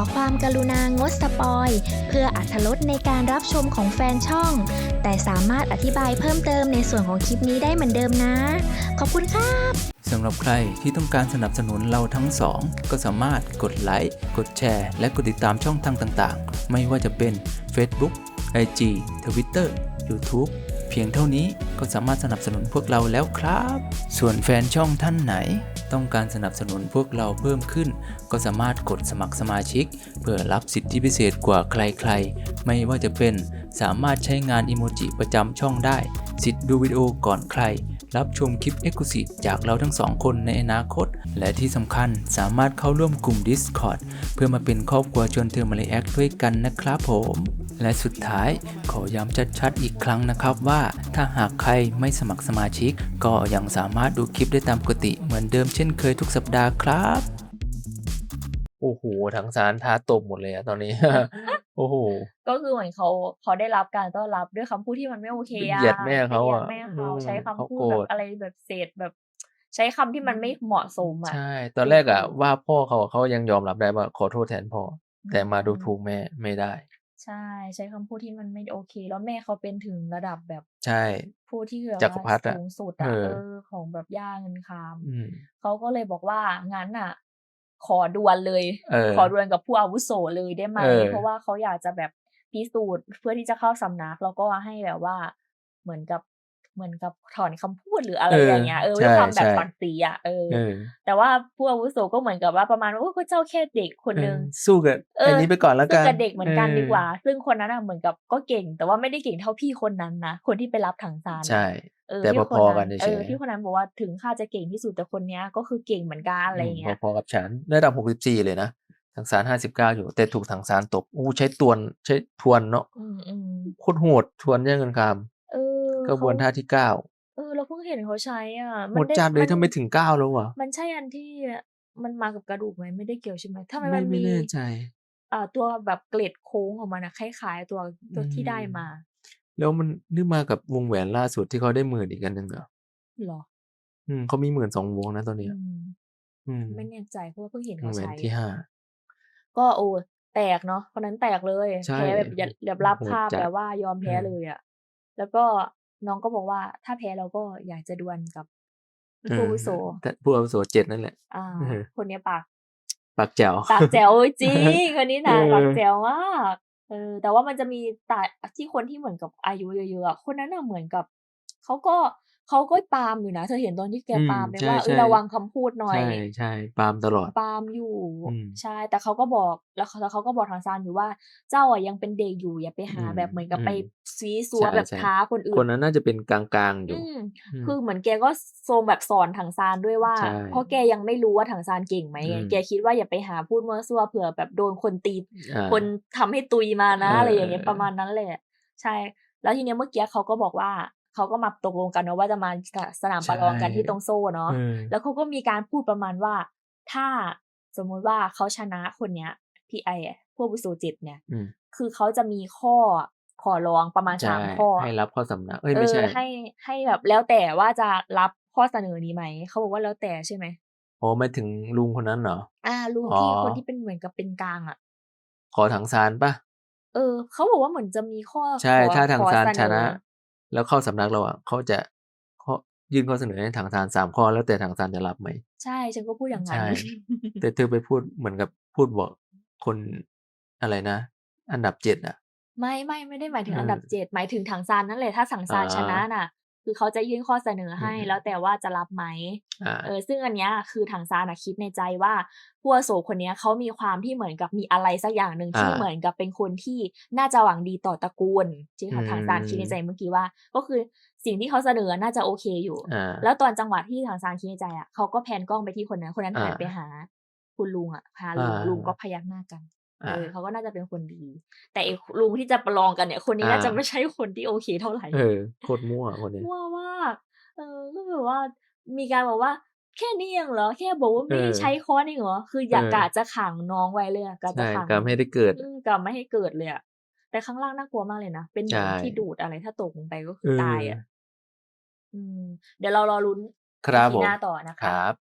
ความกรุณางดสปอยเพื่ออรรถรสในการรับชมของแฟนช่องแต่สามารถอธิบายเพิ่มเติมในส่วนของคลิปนี้ได้เหมือนเดิมนะขอบคุณค่ะสำหรับใครที่ต้องการสนับสนุนเราทั้งสองก็สามารถกดไลค์กดแชร์และกดติดตามช่องทางต่างๆไม่ว่าจะเป็น Facebook IG Twitter YouTube เพียงเท่านี้ก็สามารถสนับสนุนพวกเราแล้วครับส่วนแฟนช่องท่านไหนต้องการสนับสนุนพวกเราเพิ่มขึ้นก็สามารถกดสมัครสมาชิกเพื่อรับสิทธิพิเศษกว่าใครๆไม่ว่าจะเป็นสามารถใช้งานอิโมจิประจำช่องได้สิทธิ์ดูวิดีโอก่อนใครรับชมคลิป Exclusive จากเราทั้งสองคนในอนาคตและที่สำคัญสามารถเข้าร่วมกลุ่ม Discord เพื่อมาเป็นครอบครัวชวนเธอมาเลแอคด้วยกันนะครับผมและสุดท้ายขอย้ำชัดๆอีกครั้งนะครับว่าถ้าหากใครไม่สมัครสมาชิกก็ยังสามารถดูคลิปได้ตามปกติเหมือนเดิมเช่นเคยทุกสัปดาห์ครับโอ้โหทั้งสารท้าตบหมดเลยอะตอนนี้ โอ้โหก็คือเหมือนเขาได้รับการต้อนรับด้วยคำพูดที่มันไม่โอเคเหยียดแม่ไปเหยียดเขาอ่ะแม่เขาใช้เขาคำพูดโกรธแบบอะไรแบบเศษแบบใช้คำที่มันไม่เหมาะสมอ่ะใช่ตอนแรกอะว่าพ่อเขายังยอมรับได้ว่าขอโทษแทนพ่อแต่มาดูถูกแม่ไม่ได้ใช่ใช้คำพูดที่มันไม่โอเคแล้วแม่เขาเป็นถึงระดับแบบใช่ผู้ที่แบบจักรพรรว่าดิอะสูงสุดอ่ะของแบบย่าเงินคามมเขาก็เลยบอกว่างั้นอ่ะขอดวลเลยขอดวลกับผู้อาวุโสเลยได้ไหมเพราะว่าเขาอยากจะแบบพิสูจน์เพื่อที่จะเข้าสำนักแล้วก็ให้แบบว่าเหมือนกับถอนคำพูดหรืออะไรอย่างเงี้ยด้วยความแบบศักดิ์ศรีอ่ะแต่ว่าผู้อาวุโสก็เหมือนกับว่าประมาณว่าก็เจ้าแค่เด็กคนนึงสู้กับอันนี้ไปก่อนแล้วกันสู้กับเด็กเหมือนกันดีกว่าซึ่งคนนั้นน่ะเหมือนกับก็เก่งแต่ว่าไม่ได้เก่งเท่าพี่คนนั้นนะคนที่ไปรับถังซานใช่แต่พอๆกันเฉยพี่คนนั้นบอกว่าถึงข้าจะเก่งที่สุดแต่คนเนี้ยก็คือเก่งเหมือนกันอะไรอย่างเงี้ยพอๆกับฉันระดับ64เลยนะถังซาน59อยู่แต่ถูกถังซานตบใช้ทวนเนาะโคตรโหดทวนแย่งเงินคำกระบวนท่าที่9 เราเพิ่งเห็นเขาใช้อ่ะโหดจัดเลยทำไมถึง9แล้ววะมันใช่อันที่มันมากับกระดูกไหมไม่ได้เกี่ยวใช่ไหมทำไมมันไม่มีแน่ใจตัวแบบเกล็ดโค้งของมันอะคล้ายๆตัวที่ได้มาแล้วมันนี่มากับวงแหวนล่าสุดที่เขาได้10,000อีกอันหนึ่งเหรอเขามี12,000วงนะตอนเนี้ยไม่แน่ใจเพราะว่าเพิ่งเห็นวงเขาแหวนใช้ที่5 ก็แตกเนาะคนนั้นแตกเลยใช่แพ้แบบแบบรับโหดภาพจัดแบบว่ายอมแพ้เลยอะแล้วก็น้องก็บอกว่าถ้าแพ้เราก็อยากจะดวลกับผู้อาวุโสแต่ผู้อาวุโส7นั่นแหละคนเนี้ยปากแจ๋วปากแจ๋วจริงคนนี้นะปากแจ๋วมากแต่ว่ามันจะมีแต่ที่คนที่เหมือนกับอายุเยอะๆอะคนนั้นน่ะเหมือนกับเขาก็ปามอยู่นะเธอเห็นตอนที่แกปามไหมว่าใช่ระวังคำพูดหน่อยใช่ปามตลอดปามอยู่ใช่มแต่เขาก็บอกแล้วเขาก็บอกทางซานอยู่ว่าเจ้าอะยังเป็นเด็กอยู่อย่าไปหาแบบเหมือนกับไปซี้ซัวแบบใช่ท้าคนอื่คนนนั้นน่าจะเป็นกลางๆอยู่คือเหมือนแกก็ทรงแบบสอนถังซานด้วยว่าใช่เพราะแกยังไม่รู้ว่าถังซานเก่งไหมแกคิดว่าอย่าไปหาพูดมั่วซั่วเผื่อแบบโดนคนตีคนทำให้ตุยมานะอะไรอย่างเงี้ยประมาณนั้นแหละใช่ แล้วทีเนี้ยเมื่อกี้เขาก็บอกว่าเขาก็มาตกลงกันเนาะว่าจะมาสนามประลองกันที่ตรงโซ่เนาะแล้วเขาก็มีการพูดประมาณว่าถ้าสมมุติว่าเขาชนะคนเนี้ยพี่พวกวิโซจิตเนี่ยคือเขาจะมีข้อขอร้องประมาณ3ข้อให้รับข้อสำนักไม่ใช่ให้แบบแล้วแต่ว่าจะรับข้อเสนอนี้ไหมเขาบอกว่าแล้วแต่ใช่ไหมหมายถึงลุงคนนั้นเหรอลุงที่คนที่เป็นเหมือนกับเป็นกลางอะขอถังซานป่ะเขาบอกว่าเหมือนจะมีข้อใช่ถ้าถังซานชนะอแล้วเข้าสำนักเราอ่ะเขาจะยื่นข้อเสนอให้ถังซาน3 ข้อแล้วแต่ถังซานจะรับไหมใช่ฉันก็พูดอย่างนั้นใช่แต่เธอไปพูดเหมือนกับพูดบอกคนอะไรนะอันดับ7อ่ะไม่ได้หมายถึงอันดับ7หมายถึงถังซานนั่นแหละถ้าถังซานชนะน่ะคือเขาจะยื่นข้อเสนอให้แล้วแต่ว่าจะรับไหมซึ่งอันเนี้ยคือถังซานน่ะคิดในใจว่าผู้อาวุโสคนเนี้ยเขามีความที่เหมือนกับมีอะไรสักอย่างหนึ่งที่เหมือนกับเป็นคนที่น่าจะหวังดีต่อตระกูลที่ถังซานคิดในใจเมื่อกี้ว่าก็คือสิ่งที่เขาเสนอน่าจะโอเคอยู่แล้วตอนจังหวะที่ถังซานคิดในใจอะเขาก็แพนกล้องไปที่คนนั้นหันไปหาคุณลุงอะพาลุงก็พยักหน้ากันเขาก็น่าจะเป็นคนดีแต่ไอ้ลุงที่จะประลองกันเนี่ยคนนี้น่าจะไม่ใช่คนที่โอเคเท่าไหร่โคตรมั่วคนนี้มั่วมากก็แบบว่ามีการบอกว่าแค่นี้เองเหรอแค่บอกว่าไม่ให้ใช้ค้อนเองเหรอคืออยากกะจะขังน้องไว้เลยอะกะจะขังกะไม่ให้ได้เกิดกะไม่ให้เกิดเลยอะแต่ข้างล่างน่ากลัวมากเลยนะเป็นเหมือนที่ดูดอะไรถ้าตกลงไปก็คือตายอะเดี๋ยวเรารอลุ้นครับ EP หน้าต่อนะคะ